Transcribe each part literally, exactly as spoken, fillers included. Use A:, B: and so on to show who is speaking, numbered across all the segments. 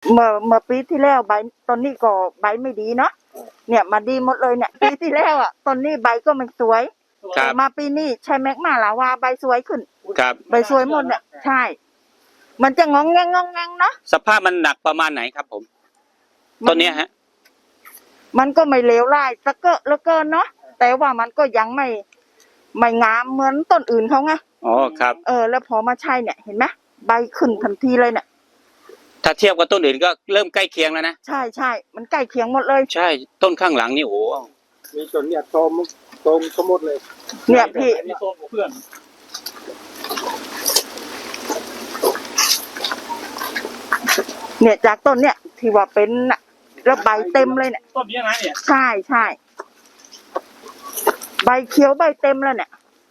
A: เมื่อเมื่อปีที่แล้วใบตอนนี้ก็ใบไม่ดีเนาะเนี่ยมาดีหมดเลยเนี่ย ปีที่แล้วอ่ะตอนนี้ใบก็ไม่สวย
B: ครับ
A: มาปีนี้ใช้แม็กมาลาวาใบสวยขึ้น
B: ครับ
A: ใบสวยหมดเนี่ยใช่ มันจะงองแงงงองแงงเนาะ
B: สภาพมันหนักประมาณไหนครับผมต้นเนี้ยฮะ
A: มันก็ไม่เลวร้ายสักเกอะแล้วเกินเนาะแต่ว่ามันก็ยังไม่ไม่งามเหมือนต้นอื่นเขาไง
B: อ๋อครับ
A: เออแล้วพอมาใช่เนี่ยเห็นไหมใบขึ้นทันทีเลยเนี่ย
B: ถ้าเทียบกับต้นอื่นก็เริ่มใกล้เคียงแล้วนะ
A: ใช่ใช่มันใกล้เคียงหมดเลย
B: ใช่ต้นข้างหลังนี่โอ้โห
C: มีจนเนี่ยโตมโตมสมมติเลย
A: เนี่ยพี่
C: มีโตมกับเพื่อน
A: เนี่ยจากต้นเนี่ยที่ว่าเป็นน่ะแล้วใบเต็มเลยเนี่ย
C: ต้นนี้นะเนี่ย
A: ใช่ใช่ใบเขียวใบเต็มแล้วเนี่ย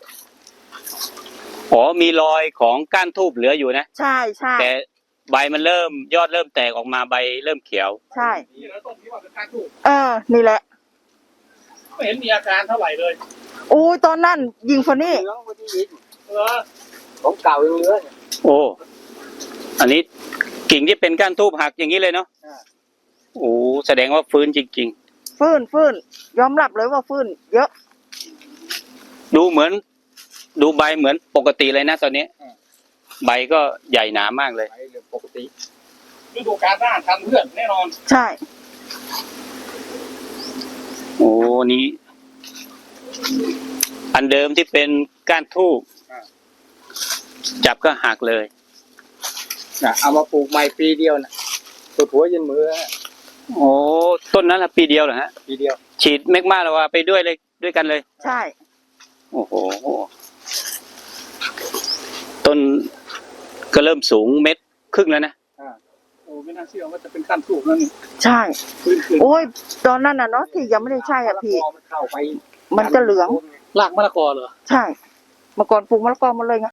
B: อ๋อมีรอยของก้านทูบเหลืออยู่นะ
A: ใช่ใช่
B: แต่ใบมันเริ่มยอดเริ่มแตกออกมาใบเริ่มเขียว
A: ใช่
C: นี่แล้วต้นที่ว่าเป็นการถูก
A: เออนี่แหละ
C: ไม่เห็นมีอาการเท่าไหร่เลย
A: โอ้ยตอนนั้นยิงคนนี้
C: เหลืองวันนี้เออของเก่ายังเหลือเนี่ย
B: โอ้อันนี้กิ่งที่เป็นก้านทูบหักอย่างนี้เลยเนาะ
C: อ่า
B: โอ้แสดงว่าฟื้นจริง
A: ฟื้นฟื้นยอมรับเลยว่าฟื้นเยอะ
B: ๆ ดูเหมือน ดูใบเหมือนปกติเลยนะตอนนี้ใบก็ใหญ่หนามากเลย
C: ไปเรื่องปกติฤดูกาลหน้าทำเพื่อนแน่นอน
A: ใช่
B: โอ้นี่อันเดิมที่เป็นก้านทูบจับก็หักเลย
C: นะเอามาปลูกใหม่ปีเดียวนะปวดหัวยันมือ
B: โอ้ต้นนั้นละปีเดียวเหรอฮะ
C: ปีเดียว
B: ฉีดเมกมาแล้วว่าไปด้วยเลยด้วยกันเลย
A: ใช่
B: โอ้โหต้นก็เริ่มสูงเม็ดครึ่งแล้วนะ
C: อ่าโอ้ไม่น่าเชื่อว่าจะเป็นการถูกนั่นนี่
A: ใช่
C: พื้นขึ้น
A: โอ้ยตอนนั้นน่ะเนาะที่ยังไม่ได้ใช่อ่ะพี่
C: มันเข้าไป
A: มันจะเหลือง
C: รากมะละกอเหรอ
A: ใช่เมื่อก่อนปลูกมะละกอหมาเลยไง